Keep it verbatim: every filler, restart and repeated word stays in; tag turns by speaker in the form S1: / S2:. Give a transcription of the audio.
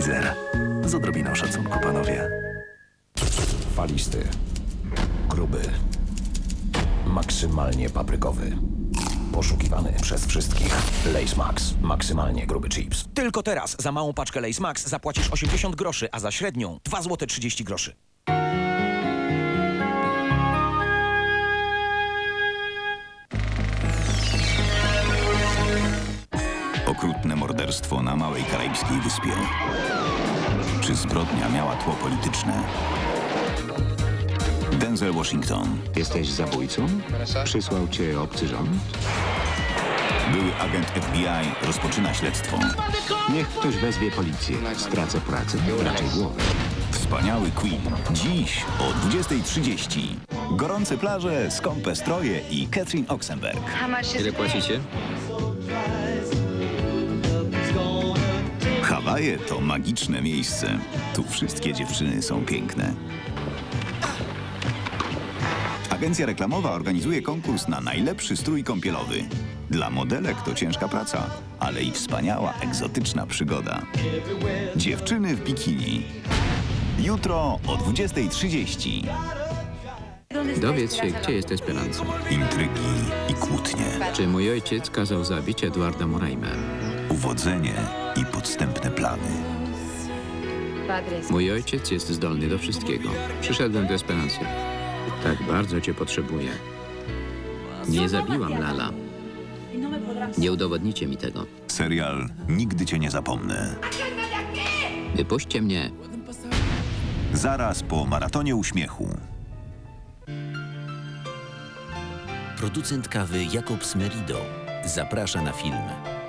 S1: Budweiser. Z odrobiną szacunku, panowie.
S2: Falisty. Gruby. Maksymalnie paprykowy. Poszukiwany przez wszystkich. Lay's Max. Maksymalnie gruby chips.
S3: Tylko teraz za małą paczkę Lay's Max zapłacisz osiemdziesiąt groszy, a za średnią dwa złote trzydzieści groszy.
S4: Okrutne morderstwo na małej karaibskiej wyspie. Czy zbrodnia miała tło polityczne? Denzel Washington,
S5: Jesteś zabójcą? Przysłał cię obcy rząd?
S4: były agent F B I, rozpoczyna śledztwo.
S5: Niech ktoś wezwie policję. Stracę pracę, raczej głowę.
S4: Wspaniały Queen. Dziś o dwudziestej trzydzieści. Gorące plaże, skąpe stroje i Catherine Oxenberg.
S6: Ile płacicie?
S4: Hawaje to magiczne miejsce. Tu wszystkie dziewczyny są piękne. Agencja reklamowa organizuje konkurs na najlepszy strój kąpielowy. Dla modelek to ciężka praca, ale i wspaniała, egzotyczna przygoda. Dziewczyny w bikini. Jutro o dwudziestej trzydzieści.
S6: Dowiedz się, gdzie jest Esperanza.
S4: Intrygi i kłótnie.
S6: Czy mój ojciec kazał zabić Eduarda Moraima?
S4: Uwodzenie i podstępne plany.
S6: Mój ojciec jest zdolny do wszystkiego. Przyszedłem do Esperanzy. Tak bardzo cię potrzebuję. Nie zabiłam Lala. Nie udowodnicie mi tego.
S4: Serial Nigdy cię nie zapomnę.
S6: Wypuśćcie mnie.
S4: Zaraz po maratonie uśmiechu.
S7: Producent kawy Jakub Smerido zaprasza na film.